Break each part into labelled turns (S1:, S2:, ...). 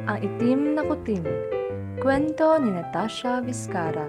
S1: Ang itim na kuting. Kwento ni Natasha Vizcara.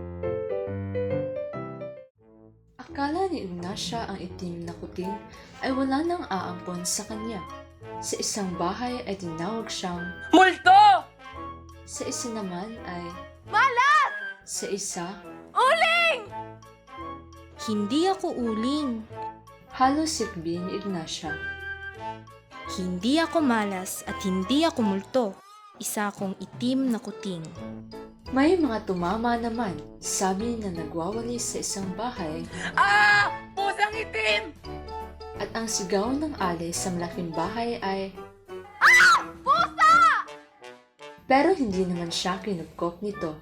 S1: Akala ni Ignacia ang itim na kuting ay wala nang aampon sa kanya. Sa isang bahay ay tinawag siyang
S2: Multo!
S1: Sa isa naman ay
S2: Malas!
S1: sa isa.
S2: Uling!
S3: Hindi ako uling.
S1: Halos sikbi ni Ignacia.
S3: Hindi ako malas at hindi ako multo. Isa akong itim na kuting.
S1: May mga tumama naman, sabi na nagwawali sa isang bahay,
S2: Ah! Pusang itim!
S1: at ang sigaw ng alay sa malaking bahay ay
S2: Pusa!
S1: pero hindi naman siya kinupkop nito.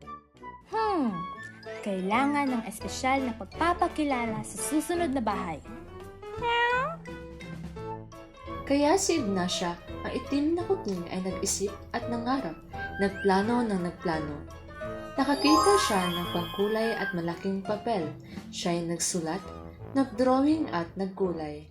S3: Kailangan ng espesyal na pagpapakilala sa susunod na bahay.
S1: Kaya si Ignacia, ang itim na kuting ay nag-isip at nangarap, nagplano ng nagplano. Nakakita siya ng pangkulay at malaking papel. Siya ay nagsulat, nagdrawing at nagkulay.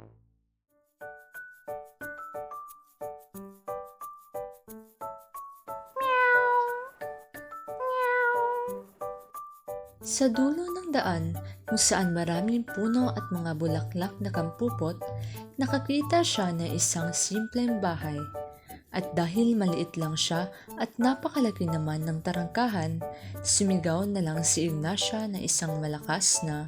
S1: Sa dulo ng daan, kung saan maraming puno at mga bulaklak na kampupot, nakakita siya ng isang simpleng bahay. At dahil maliit lang siya at napakalaki naman ng tarangkahan, sumigaw na lang si Ignacia na isang malakas na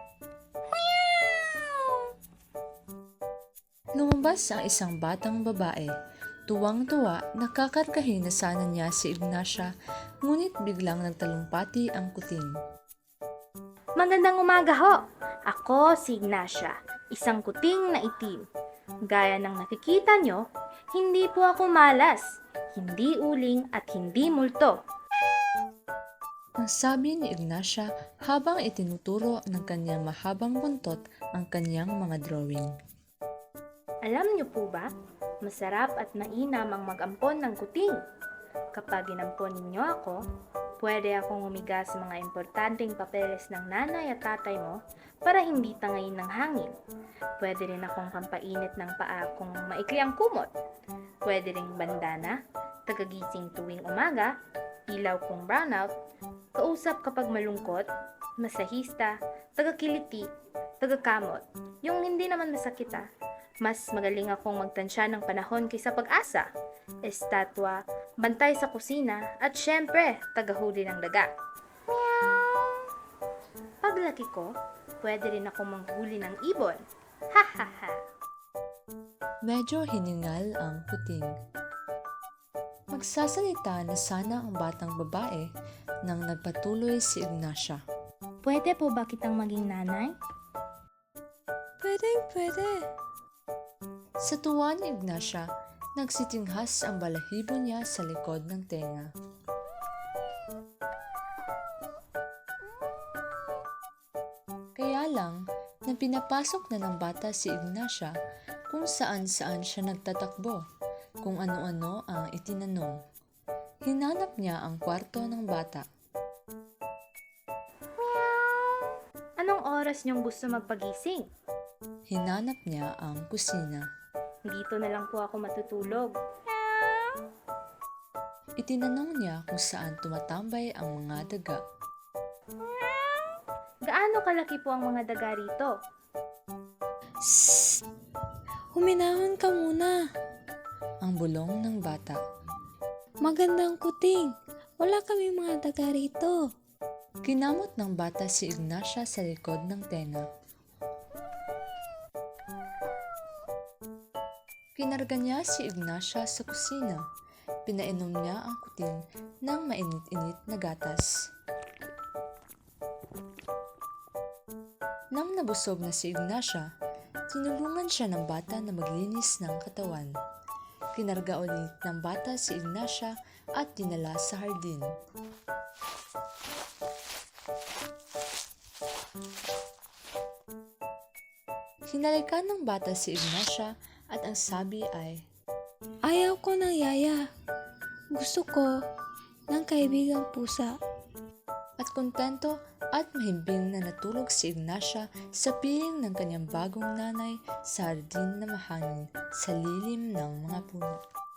S1: Lumabas ang isang batang babae. Tuwang-tuwa, nakakargahin na sana niya si Ignacia, ngunit biglang nagtalumpati ang kuting.
S3: Magandang umaga ho! Ako si Ignacia, isang kuting na itim. Gaya ng nakikita nyo, hindi po ako malas, hindi uling at hindi multo.
S1: Ang sabi ni Ignacia habang itinuturo ng kanyang mahabang buntot ang kanyang mga drawing.
S3: Alam nyo po ba, masarap at mainam ang mag-ampon ng kuting. Kapag inampon ninyo ako, pwede akong humiga sa mga importanteng papeles ng nanay at tatay mo para hindi tangayin ng hangin. Pwede rin akong pampainit ng paa kung maikli ang kumot. Pwede ring bandana, tagagising tuwing umaga, ilaw kung brownout, kausap kapag malungkot, masahista, tagakiliti, tagakamot. Yung hindi naman masakit ah. Mas magaling akong magtansya ng panahon kaysa pag-asa, estatwa, bantay sa kusina, at syempre, tagahuli ng daga. Paglaki ko, pwede rin akong manghuli ng ibon. Ha ha ha!
S1: Medyo hiningal ang kuting. Magsasalita na sana ang batang babae nang nagpatuloy si Ignacia.
S3: Pwede po ba kitang maging nanay?
S1: Pwede. Sa tuwa ni Ignacia, nagsitinghas ang balahibo niya sa likod ng tenga. Kaya lang, nang pinapasok na ng bata si Ignacia, kung saan-saan siya nagtatakbo, kung ano-ano ang itinanong. Hinanap niya ang kwarto ng bata.
S3: Anong oras niyong gusto magpagising?
S1: Hinanap niya ang kusina.
S3: Dito na lang po ako matutulog.
S1: Itinanong niya kung saan tumatambay ang mga daga.
S3: Gaano kalaki po ang mga daga rito?
S4: Shh! Huminahon ka muna.
S1: Ang bulong ng bata.
S4: Magandang kuting. Wala kami mga daga rito.
S1: Kinamot ng bata si Ignacia sa likod ng tenga. Kinarga niya si Ignacia sa kusina. Pinainom niya ang kuting ng mainit-init na gatas. Nang nabusog na si Ignacia, tinulungan siya ng bata na maglinis ng katawan. Kinarga ulit ng bata si Ignacia at dinala sa hardin. Hinalikan ng bata si Ignacia at ang sabi ay,
S4: Ayaw ko ng yaya. Gusto ko ng kaibigang pusa.
S1: at kontento at mahimbing na natulog si Ignacia sa piling ng kanyang bagong nanay sa hardin na mahangin sa lilim ng mga puno.